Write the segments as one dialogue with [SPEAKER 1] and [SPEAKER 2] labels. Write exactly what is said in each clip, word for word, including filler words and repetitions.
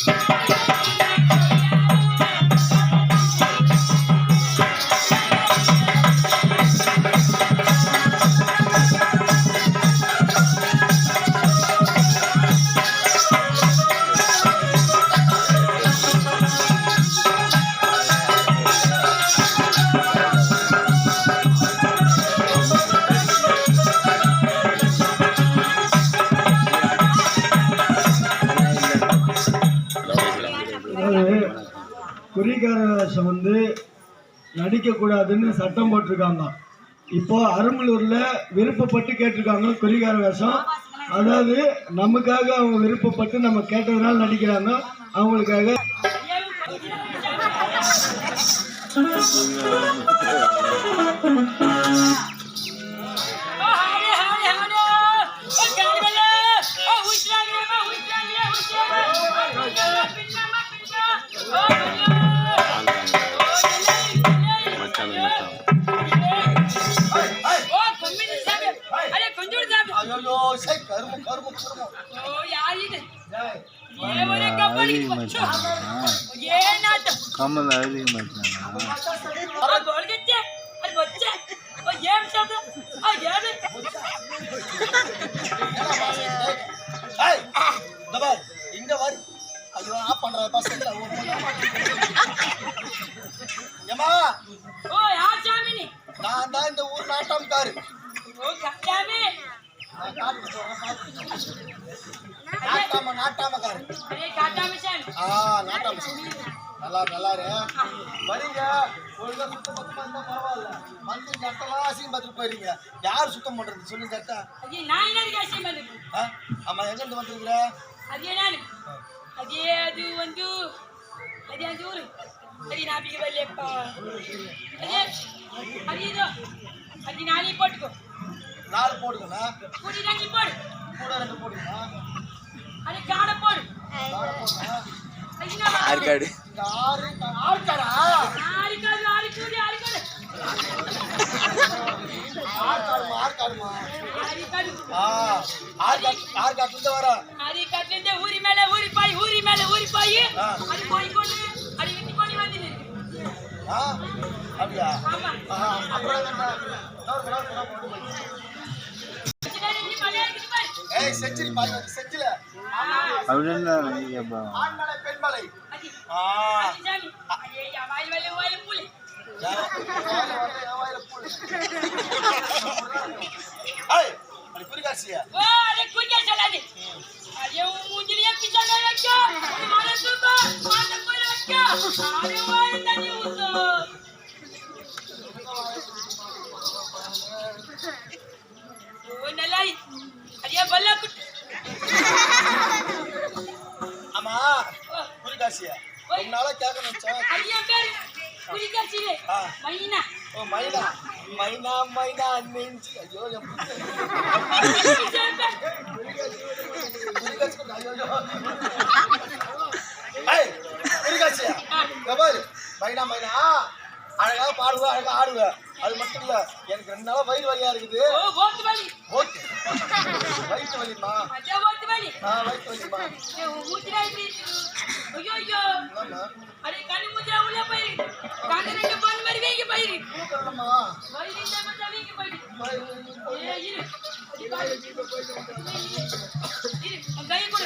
[SPEAKER 1] குறிகார வேஷம் வந்து நடிக்கக்கூடாதுன்னு சட்டம் போட்டிருக்காங்க. இப்போ அருமலூர்ல விருப்பப்பட்டு கேட்டிருக்காங்க குறிகார வேஷம். அதாவது நமக்காக அவங்க விருப்பப்பட்டு நம்ம கேட்டதுனால நடிக்கிறாங்க. அவங்களுக்காக
[SPEAKER 2] கமல் அதிகமாக
[SPEAKER 3] இங்க வரு ஐயோ ஆப் பண்ற பசங்க ஏமா
[SPEAKER 4] ஓ யார் சாமி நீ?
[SPEAKER 3] நான் தான் இந்த ஊர் நாட்டம்காரு.
[SPEAKER 4] ஓ கட்டாமி
[SPEAKER 3] நாட்டாம நாட்டாமக்காரு.
[SPEAKER 4] அரே காட்டாமி சாமி.
[SPEAKER 3] ஆ நாட்டாம சாமி. நல்லா நல்லா இரு. வரீங்க ஒழுங்கா சுத்தம் பத்தமா இருந்தா பரவாயில்ல. வந்து நட்டலாம் அசிங்கம் பார்த்துட்டு போயிருங்க. யார் சுத்தம் பண்றது சொல்லுங்க கரெக்டா?
[SPEAKER 4] அது நான் என்ன அசிங்கம் பண்றது?
[SPEAKER 3] ஆமா எங்க இருந்து வந்திருக்கிற?
[SPEAKER 4] அது நான் அதே அது வந்து அதே அந்த ஊரு அது நான் பிக வரலப்பா. அதே அது இதோ அது நாளை போட்டுக்கோ.
[SPEAKER 3] நாலு போடுங்கண்ணா.
[SPEAKER 4] கூடி ரெண்டு போடு.
[SPEAKER 3] கூட ரெண்டு போடுங்கண்ணா.
[SPEAKER 4] அது காடை போடு.
[SPEAKER 3] காடை போடுங்க.
[SPEAKER 2] ஆறு காடு.
[SPEAKER 3] இந்த ஆறு ஆறு காடா?
[SPEAKER 4] ஆறு காடு ஆறு கூடி ஆறு காடு.
[SPEAKER 3] ஆறு காடுமா ஆறு காடுமா?
[SPEAKER 4] ஆறு காடு.
[SPEAKER 3] ஆ ஆறு காடு ஆறு காட்டுல இருந்து வர.
[SPEAKER 4] ஆறு காட்டுல இருந்து ஊரி மேல ஊரி பாய் ஊரி மேல ஊரி பாய் அது போய் கொண்டு அது விட்டு கொண்டு வந்து நிக்கு.
[SPEAKER 3] ஆ அப்படியா?
[SPEAKER 4] ஆமா.
[SPEAKER 3] அப்புறம் என்ன? நோர் நோர் நோர் போடு போய். ஏய் செஞ்சுரி பாய் வந்து செஞ்சில.
[SPEAKER 2] அப்படின்னா நீங்கப்பா.
[SPEAKER 3] ஆண்மலை பெண்மலை. ஆ
[SPEAKER 4] அடிச்சாமி. ஏய் வாயில் வாயில் வாயில் புலி.
[SPEAKER 3] யா வாயில் வாயில் வாயில் புலி. ஏய் அடி புரிகாசியா.
[SPEAKER 4] ஓ அட குஞ்சா சொல்லாதே. அடே மூஞ்சிலியே பிச்சானே வைக்க. மாரே சுபா மாரே போய் வைக்க. அடே வாயில் தண்ணி ஊத்து. ஓ நல்லாய். அடியா பல்ல குட்.
[SPEAKER 3] ஆமா புரிகாசியா. ரொம்ப நாளா கேட்க நினைச்சேன்.
[SPEAKER 4] அடியா பேர் புரிகாசியே. மைனா.
[SPEAKER 3] ஓ மைனா மைனா மைனா நெஞ்சி ஐயோ ஏய் புரிகாசியா. கபால் மைனா மைனா அழகா பாடுவ அழகா ஆடுவ. அது மட்டும் இல்ல எனக்கு ரெண்டு நாளா வயிறு வலியா இருக்குது.
[SPEAKER 4] ஓ ஓட்டு வலி.
[SPEAKER 3] ஓகே வயிறு வலிமா?
[SPEAKER 4] அட ஓட்டு வலி.
[SPEAKER 3] ஆ வயிறு வலிமா?
[SPEAKER 4] ஏ மூத்திரா இப்படி. ஐயோ ஐயோ.
[SPEAKER 3] ஆமா
[SPEAKER 4] அடே கண்ணு மூத்திரா உள்ள போய். கண்ணு ரெண்டு பொன் மாதிரி வேகி போய்.
[SPEAKER 3] கூட்டறமா
[SPEAKER 4] வயிறு இந்த மட்டும் வேகி போய். ஏ இரு. இரு கை கொடு.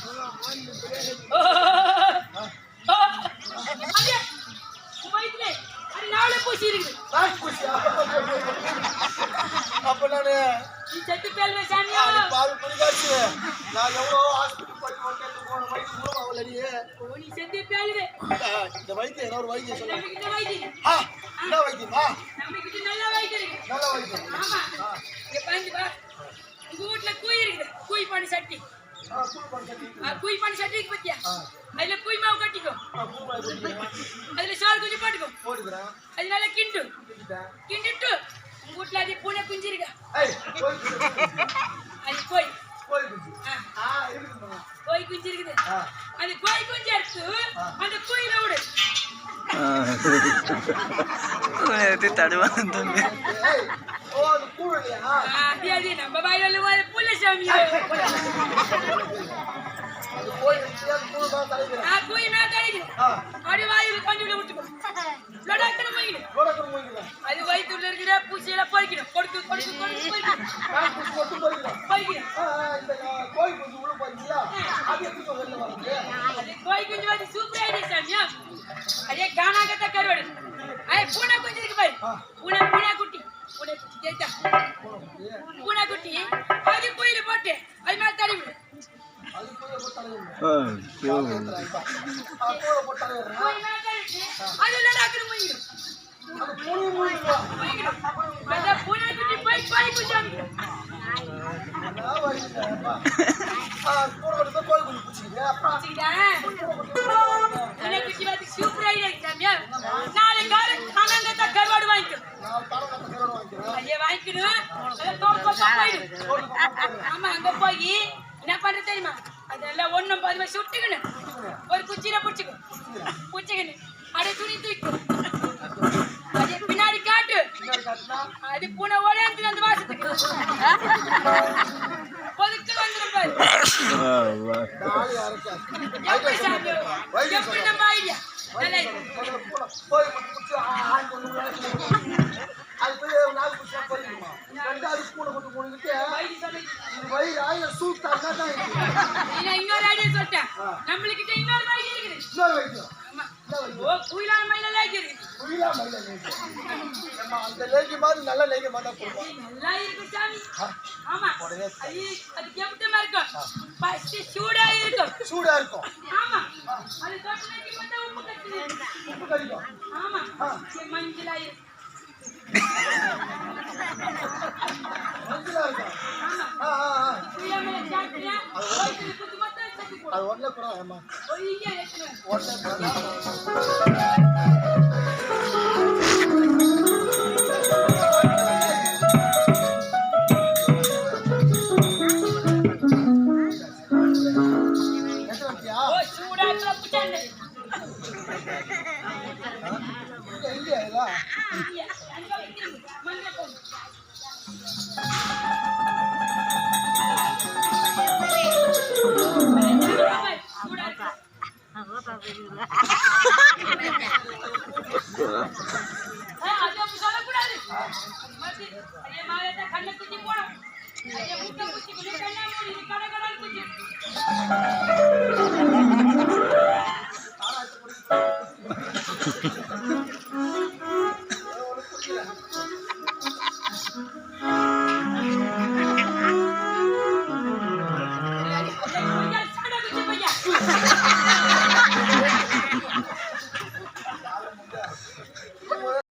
[SPEAKER 4] அடே வயிறுல அட நாளை பூசி இருக்கு.
[SPEAKER 3] ராஜ் பூசியா? அப்ப நானு
[SPEAKER 4] நீ செத்து பேல்வே சாமியா.
[SPEAKER 3] பாரு புரிகாசி நான் எவ்வளோ ஹாஸ்பிட்டல் போய் ஹோட்டலுக்கு போன வயிற்று மூலம் அவளடியே.
[SPEAKER 4] ஓ நீ செத்து பேல்வே.
[SPEAKER 3] இந்த வைத்தியம் என்ன ஒரு வைத்தியம் சொல்லுங்க.
[SPEAKER 4] நமக்கு இந்த வைத்தியம்.
[SPEAKER 3] ஆ என்ன வைத்தியமா?
[SPEAKER 4] நமக்கு நல்ல வைத்தியம் இருக்கு.
[SPEAKER 3] நல்ல வைத்தியம்.
[SPEAKER 4] ஆமா. இங்க பாருங்க பா. உங்க வீட்ல குய் இருக்குது. குய் பண்ணி சட்டி.
[SPEAKER 3] ஆ கூல் பண்ணி.
[SPEAKER 4] ஆ குய் பண்ணி சட்டி இருக்கு பத்தியா? அதுல குய் மாவு கட்டிக்கோ.
[SPEAKER 3] ஆ கூல் பண்ணி.
[SPEAKER 4] அதுல சால் கொஞ்சம் போட்டுக்கோ.
[SPEAKER 3] போடுறேன்.
[SPEAKER 4] அது நல்லா கிண்டு. கிண்டிட்டு உங்க வீட்ல அது பூனை குஞ்சு இருக்கா?
[SPEAKER 3] ஏய் போய்
[SPEAKER 4] அது கோய்.
[SPEAKER 3] கோய் குஞ்சு.
[SPEAKER 4] ஆ
[SPEAKER 3] ஆ இருக்குமா?
[SPEAKER 4] கோய் குஞ்சு இருக்குது.
[SPEAKER 3] ஆ
[SPEAKER 4] அந்த கோய் குஞ்சு எடுத்து அந்த குயில விடு.
[SPEAKER 2] இது தடுவான் தம்பி.
[SPEAKER 3] ஏய் ஓ அது கூழலையா?
[SPEAKER 4] அது அது நம்ம வாயில ஒரு புள்ள சாமி.
[SPEAKER 3] அது கோய் குஞ்சு கூழ் தான் தலைக்குறேன்.
[SPEAKER 4] ஆ அடி வாயில் கஞ்சியில விட்டுக்கோ லடாக்கணும் போய்க்கணும்
[SPEAKER 3] லோடக்கணும் போய்க்கிறேன்.
[SPEAKER 4] அது வயிற்றுல இருக்கிற பூச்சியெல்லாம் போய்க்கணும் கொடுத்து கொடுத்து கொடுத்து போய்க்கணும்
[SPEAKER 3] நான் குச்சி மட்டும் போய்க்கிறேன்.
[SPEAKER 4] போய்க்கணும்
[SPEAKER 3] ஆ, ஆ, இந்த ஆ, கோழி குஞ்சு உள்ள போறீங்களா? அது எப்படி இப்ப வெளில வருது?
[SPEAKER 4] அது கோழி குஞ்சு வந்து சூப்பரா இருக்கு சாமியா அதே காணாக்கத்த கருவாடு ஐ பூனை குஞ்சு இருக்கு பாரு பூனை பூனை குட்டி பூனை குட்டி கேட்டா பூனை குட்டி அது கோயில போட்டு அது மேல தள்ளி விடு
[SPEAKER 3] அது கோழி போட்டாலே இல்லை.
[SPEAKER 2] ஓ ஐயோ.
[SPEAKER 3] ஆ, கோழி போட்டாலே இல்லை.
[SPEAKER 4] கோயில் மேல தள்ளி விட்டு அது லடாக்கணும் போய்க்கணும்
[SPEAKER 3] அது பூனை மூடிடுவா.
[SPEAKER 4] போய்க்கணும் அந்த பூனை குட்டி போய் கோழி குஞ்சு வாங்கிக்கணும்
[SPEAKER 3] அதான் வருது. ஆ, பூனை கொண்டு போய் கோழி குஞ்சு பிடிச்சிக்கிது. அப்புறம்
[SPEAKER 4] பூனை குட்டி வந்து சூப்பரா இருக்கு சாமியா நாளை காலை காணாங்கத்த கருவாடு வாங்கிக்கணும்
[SPEAKER 3] நான் தரம் கட்ட கருவாடு வாங்கிக்கிறேன்.
[SPEAKER 4] அதே வாங்கிக்கணும் அதை தோப்பு போயிடும் ஆமா அங்க போய் என்ன பண்ற தெரியுமா அதெல்லாம் ஒண்ணும் பாதிமா சுட்டுக்கணும் ஒரு குச்சியில பிடிச்சிக்கும் பிடிச்சிக்கணும் அடைய துணி தூக்கும் அதே பின்னாடி காட்டு
[SPEAKER 3] பின்னாடி காட்டுனா
[SPEAKER 4] அது பூனை ஓடியாந்து அந்த வாசத்துக்கு பொதுக்கள் வந்துடும் பாரு
[SPEAKER 2] ஆ, வா.
[SPEAKER 3] நாலு அரைக்காது.
[SPEAKER 4] எப்படி சாமி எப்படி நம்ம ஐடியா நல்லா இருக்கு
[SPEAKER 3] முதல்ல பூனை கோழி குஞ்சு பிடிச்சி ஆ, ஆண்டு ஒண்ணு உள்ள வச்சுக்கணும். அது போய் நாலு குச்சியா போயிருக்குமா? ரெண்டாவது பூனை கொண்டு போனிக்கிட்டு
[SPEAKER 4] வயிறு சொல்லி
[SPEAKER 3] இது வயிறு ஆயிரம் சூத்தாங்க தான் இருக்கு.
[SPEAKER 4] நான் இன்னொரு ஐடியா சொல்லிட்டேன் நம்மளுக்கிட்ட இன்னொரு வயிறு இருக்குது
[SPEAKER 3] இன்னொரு வைத்தியம்.
[SPEAKER 4] ஆமா
[SPEAKER 3] என்ன வைத்தியம்?
[SPEAKER 4] ஓ குயிலான மயிலெல்லாம் இருக்குது
[SPEAKER 3] புரியலா மயில லேகி. நம்ம அந்த லேகி மாதிரி நல்ல லேகி மாதிரி தான் கொடுப்போம்.
[SPEAKER 4] நல்லா இருக்கு சாமி
[SPEAKER 3] ஆ,
[SPEAKER 4] ஆமா
[SPEAKER 3] உடனே
[SPEAKER 4] அது அது கெப்டமா இருக்கும் ஃபர்ஸ்ட் சூடா இருக்கும்
[SPEAKER 3] சூடா இருக்கும்.
[SPEAKER 4] ஆமா அது தொட்டனைக்கு மட்டும் உப்பு கட்டுது
[SPEAKER 3] உப்பு கறிக்கும்.
[SPEAKER 4] ஆமா இது மஞ்சளா இருக்கு
[SPEAKER 3] மஞ்சளா இருக்கும்.
[SPEAKER 4] ஆமா
[SPEAKER 3] ஆ, ஆ, ஆ.
[SPEAKER 4] குயிலாம சாப்பிட்டா வயித்துல குத்து மட்டும் சட்டி போடு
[SPEAKER 3] அது உடனே கூட ஏமா
[SPEAKER 4] ஒய்யா ஏத்துறேன்
[SPEAKER 3] உடனே கூட எத்தனை வண்டியா?
[SPEAKER 4] ஓ சூடா இருக்குல புட்டாண்டே
[SPEAKER 3] இங்க இல்லையா இதெல்லாம்?
[SPEAKER 4] அங்க வைக்கிறேன் மஞ்சள் போடு சூடா இருக்கு அது அப்படி சொல்லக்கூடாது மத்தி அதே மாதிரி தான் கண்ணை குத்தி போடும் அதே முட்டை குத்தி குத்தி கண்ணா மூடி கடை கடை குத்தி